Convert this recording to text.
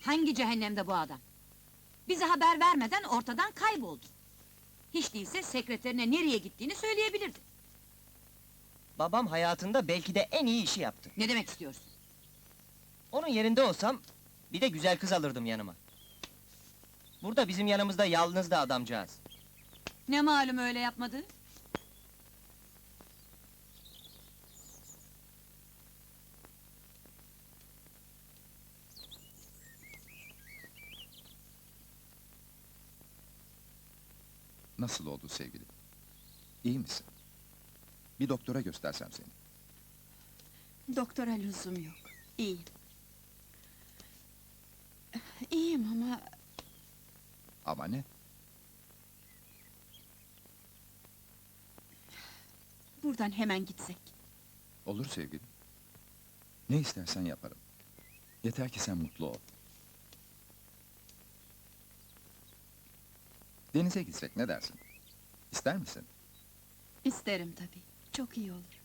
Hangi cehennemde bu adam? Bize haber vermeden ortadan kayboldu. Hiç değilse sekreterine nereye gittiğini söyleyebilirdi. Babam hayatında belki de en iyi işi yaptı. Ne demek istiyorsun? Onun yerinde olsam, bir de güzel kız alırdım yanıma. Burada bizim yanımızda yalnızdı adamcağız. Ne malum öyle yapmadı? Nasıl oldu sevgilim? İyi misin? Bir doktora göstersem seni. Doktora lüzum yok. İyiyim. İyiyim ama Ama ne? buradan hemen gitsek. Olur sevgilim. Ne istersen yaparım. Yeter ki sen mutlu ol. Denize gitsek ne dersin? İster misin? İsterim tabii. Çok iyi olur.